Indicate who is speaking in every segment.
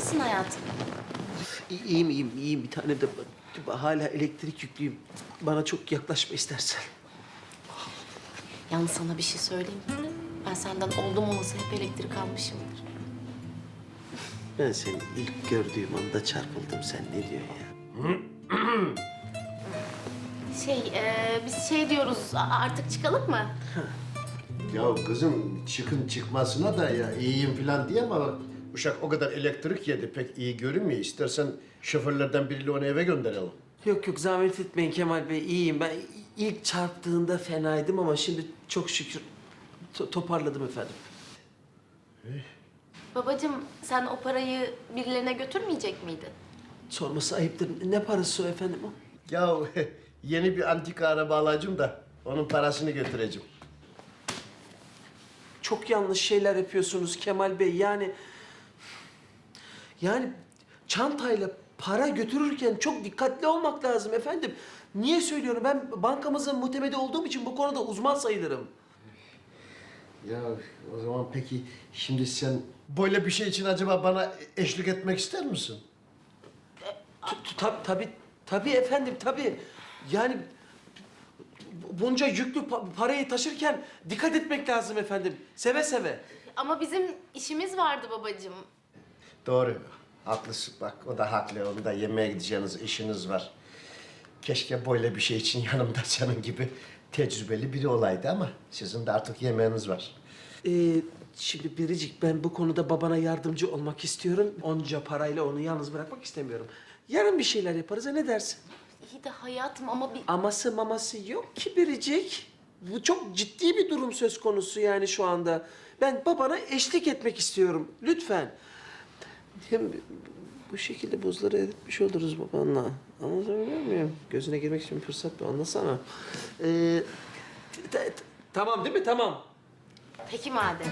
Speaker 1: mısın hayatım?
Speaker 2: İyiyim. Bir tane de hala elektrik yüklüyüm. Bana çok yaklaşma istersen.
Speaker 1: Yalnız sana bir şey söyleyeyim mi? Ben senden oldum olası hep elektrik almışımdır.
Speaker 2: Ben seni ilk gördüğüm anda çarpıldım. Sen ne diyorsun ya?
Speaker 1: Biz şey diyoruz, artık çıkalım mı?
Speaker 3: Ya kızım çıkın çıkmasına da ya iyiyim falan diye ama bak uşak o kadar elektrik yedi pek iyi görünmüyor. İstersen şoförlerden biriyle onu eve gönderelim.
Speaker 2: Yok zahmet etmeyin Kemal Bey. İyiyim. Ben ilk çarptığında fenaydım ama şimdi çok şükür toparladım efendim.
Speaker 1: Babacığım, sen o parayı birilerine götürmeyecek miydin?
Speaker 2: Sorması ayıptır. Ne parası o efendim o?
Speaker 3: Ya yeni bir antika araba alacağım da onun parasını götüreceğim.
Speaker 2: Çok yanlış şeyler yapıyorsunuz Kemal Bey. Yani çantayla para götürürken çok dikkatli olmak lazım efendim. Niye söylüyorum? Ben bankamızın muhtemeli olduğum için bu konuda uzman sayılırım.
Speaker 3: Ya o zaman peki şimdi sen böyle bir şey için acaba bana eşlik etmek ister misin?
Speaker 2: Tabii efendim, tabii. Yani bunca yüklü parayı taşırken dikkat etmek lazım efendim. Seve seve.
Speaker 1: Ama bizim işimiz vardı babacığım.
Speaker 3: Doğru. Haklısın bak. O da haklı. Onu da yemeğe gideceğiniz işiniz var. Keşke böyle bir şey için yanımda senin gibi tecrübeli biri olaydı ama sizin de artık yemeğiniz var.
Speaker 2: Şimdi Biricik, ben bu konuda babana yardımcı olmak istiyorum. Onca parayla onu yalnız bırakmak istemiyorum. Yarın bir şeyler yaparız, ha ne dersin?
Speaker 1: İyi de hayatım ama bir...
Speaker 2: Aması maması yok ki Biricik. Bu çok ciddi bir durum söz konusu yani şu anda. Ben babana eşlik etmek istiyorum. Lütfen. Hem bu şekilde buzları eritmiş oluruz babanla. Anlatabiliyor muyum? Gözüne girmek için bir fırsat bu. Anlasana. Tamam değil mi? Tamam.
Speaker 1: Peki madem.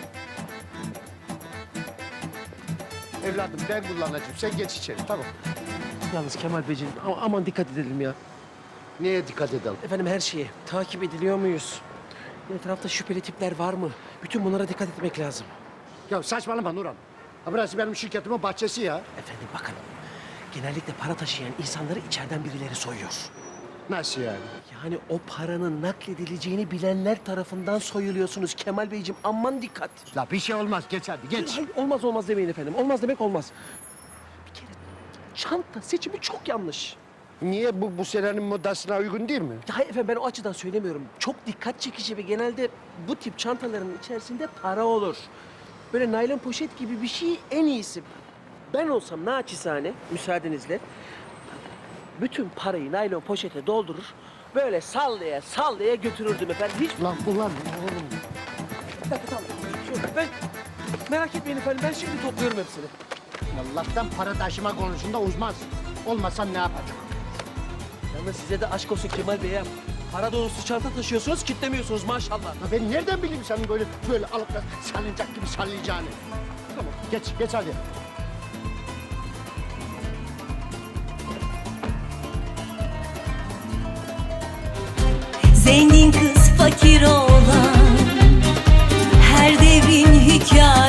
Speaker 3: Evladım ben kullanacağım. Sen geç içeri. Tamam.
Speaker 2: Yalnız Kemal Beyciğim aman dikkat edelim ya.
Speaker 3: Neye dikkat edelim?
Speaker 2: Efendim her şeye. Takip ediliyor muyuz? Etrafta şüpheli tipler var mı? Bütün bunlara dikkat etmek lazım.
Speaker 3: Ya saçmalama Nurhan. Ha burası benim şirketimin bahçesi ya.
Speaker 2: Efendim bakın. Genellikle para taşıyan insanları içeriden birileri soyuyor.
Speaker 3: Nasıl yani?
Speaker 2: Yani o paranın nakledileceğini bilenler tarafından soyuluyorsunuz Kemal Beyciğim. Aman dikkat.
Speaker 3: La bir şey olmaz. Geç hadi geç.
Speaker 2: Hayır, olmaz demeyin efendim. Olmaz demek olmaz. Bir kere çanta seçimi çok yanlış.
Speaker 3: Niye bu senenin modasına uygun değil mi?
Speaker 2: Ya hayır efendim, ben o açıdan söylemiyorum. Çok dikkat çekici ve genelde bu tip çantaların içerisinde para olur. Böyle naylon poşet gibi bir şey en iyisi. Ben olsam naçizane müsaadenizle bütün parayı naylon poşete doldurur, böyle sallaya götürürdüm efendim. Hiç...
Speaker 3: Lan ulan oğlum.
Speaker 2: Bir dakika, tamam. Ben merak etmeyin efendim, ben şimdi topluyorum hepsini.
Speaker 3: Allah'tan para taşıma konusunda uzmansın. Olmasan ne yapacak?
Speaker 2: Yalnız size de aşk olsun Kemal Bey ya. Para dolusu çanta taşıyorsunuz, kitlemiyorsunuz maşallah.
Speaker 3: Ya ben nereden bileyim senin böyle alıp da sallayacak gibi sallayacağını? Tamam geç hadi.
Speaker 4: Zengin kız fakir olan her devrin hikayesi.